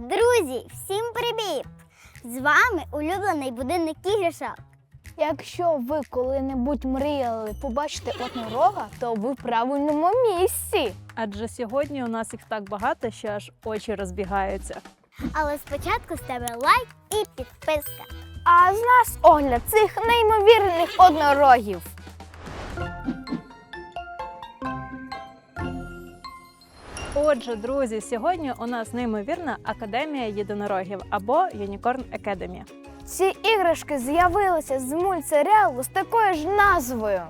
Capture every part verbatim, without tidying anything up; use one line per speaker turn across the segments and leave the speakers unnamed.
Друзі, всім привіт! З вами улюблений будинок іграшок.
Якщо ви коли-небудь мріяли побачити однорога, то ви в правильному місці.
Адже сьогодні у нас їх так багато, що аж очі розбігаються.
Але спочатку з тебе лайк і підписка.
А з нас огляд цих неймовірних однорогів.
Отже, друзі, сьогодні у нас неймовірна Академія єдинорогів або Unicorn Academy.
Ці іграшки з'явилися з мультсеріалу з такою ж назвою.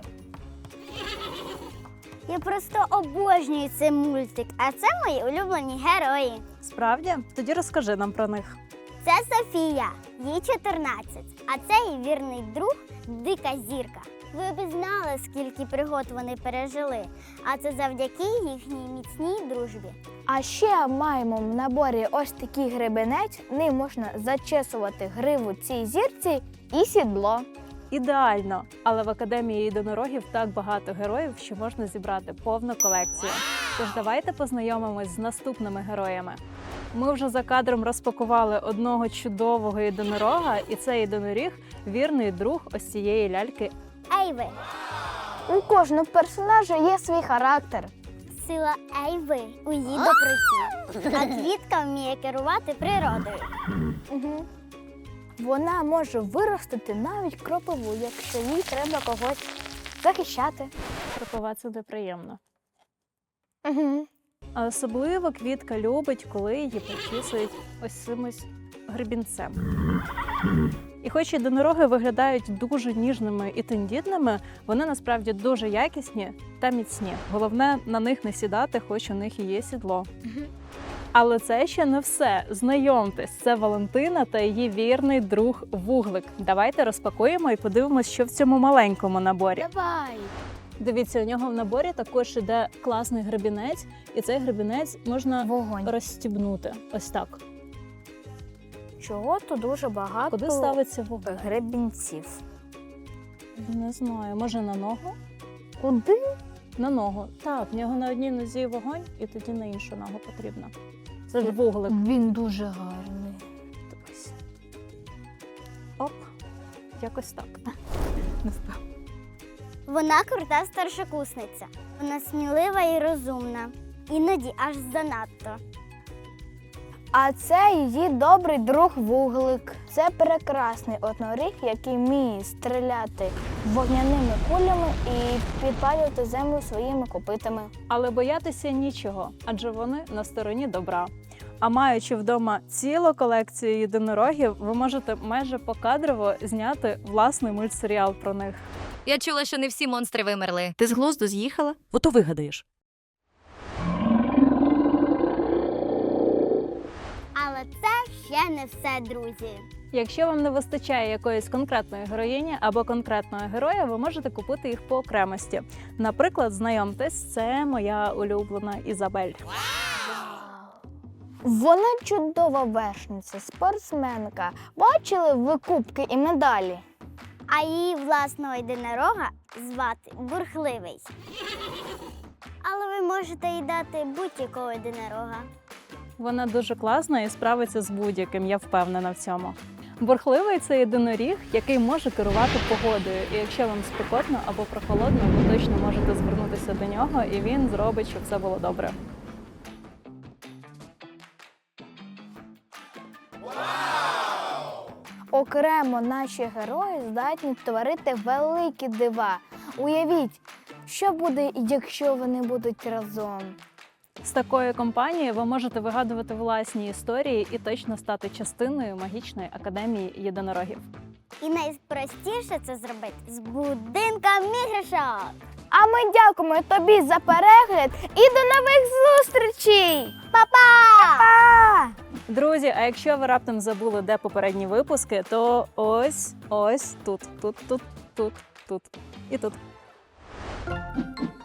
Я просто обожнюю цей мультик, а це мої улюблені герої.
Справді? Тоді розкажи нам про них.
Це Софія, їй чотирнадцять, а це її вірний друг Дика Зірка. Ви б знали, скільки пригод вони пережили, а це завдяки їхній міцній дружбі.
А ще маємо в наборі ось такий гребенець, ним можна зачесувати гриву цій зірці і сідло.
Ідеально! Але в Академії єдинорогів так багато героїв, що можна зібрати повну колекцію. Тож давайте познайомимось з наступними героями. Ми вже за кадром розпакували одного чудового єдинорога, і цей єдиноріг – вірний друг ось цієї ляльки.
Ейви.
У кожного персонажа є свій характер.
Сила Ейви у її доброті, а квітка вміє керувати природою.
Угу. Вона може виростити навіть кропиву, якщо їй треба когось захищати.
Кропива – це неприємно.
Угу.
А особливо квітка любить, коли її почісують ось цим ось гребінцем. І хоч єдинороги виглядають дуже ніжними і тендітними, вони насправді дуже якісні та міцні. Головне на них не сідати, хоч у них і є сідло. Але це ще не все. Знайомтесь, це Валентина та її вірний друг Вуглик. Давайте розпакуємо і подивимось, що в цьому маленькому наборі.
Давай!
Дивіться, у нього в наборі також іде класний гребінець, і цей гребінець можна
Вогонь.
розстібнути. Ось так.
Чого тут дуже багато
Куди ставиться вогонь?
гребінців?
Не знаю, може на ногу?
Куди?
На ногу. Так, в нього на одній нозі вогонь, і тоді на іншу ногу потрібно. Це ж вуглик.
Він дуже гарний.
Дивись. Оп, якось так. Не впав.
Вона крута старшокурсниця. Вона смілива і розумна. Іноді аж занадто.
А це її добрий друг Вуглик. Це прекрасний одноріг, який вміє стріляти вогняними кулями і підпалювати землю своїми копитами.
Але боятися нічого, адже вони на стороні добра. А маючи вдома цілу колекцію єдинорогів, ви можете майже покадрово зняти власний мультсеріал про них.
Я чула, що не всі монстри вимерли.
Ти з глузду з'їхала? Ото вигадаєш.
Але це ще не все, друзі.
Якщо вам не вистачає якоїсь конкретної героїні або конкретного героя, ви можете купити їх по окремості. Наприклад, знайомтесь, це моя улюблена Ізабель.
Вона чудова вершниця, спортсменка. Бачили ви кубки і медалі?
А її власного єдинорога звати Бурхливий. Але ви можете їй дати будь-якого єдинорога.
Вона дуже класна і справиться з будь-яким, я впевнена в цьому. Бурхливий – це єдиноріг, який може керувати погодою. І якщо вам спекотно або прохолодно, ви точно можете звернутися до нього, і він зробить, щоб все було добре.
Окремо наші герої здатні творити великі дива. Уявіть, що буде, якщо вони будуть разом.
З такою компанією ви можете вигадувати власні історії і точно стати частиною магічної академії єдинорогів.
І найпростіше це зробити з будинком іграшок.
А ми дякуємо тобі за перегляд і до нових зустрічей!
Па-па!
Па!
Друзі, а якщо ви раптом забули, де попередні випуски, то ось, ось тут, тут, тут, тут, тут і тут.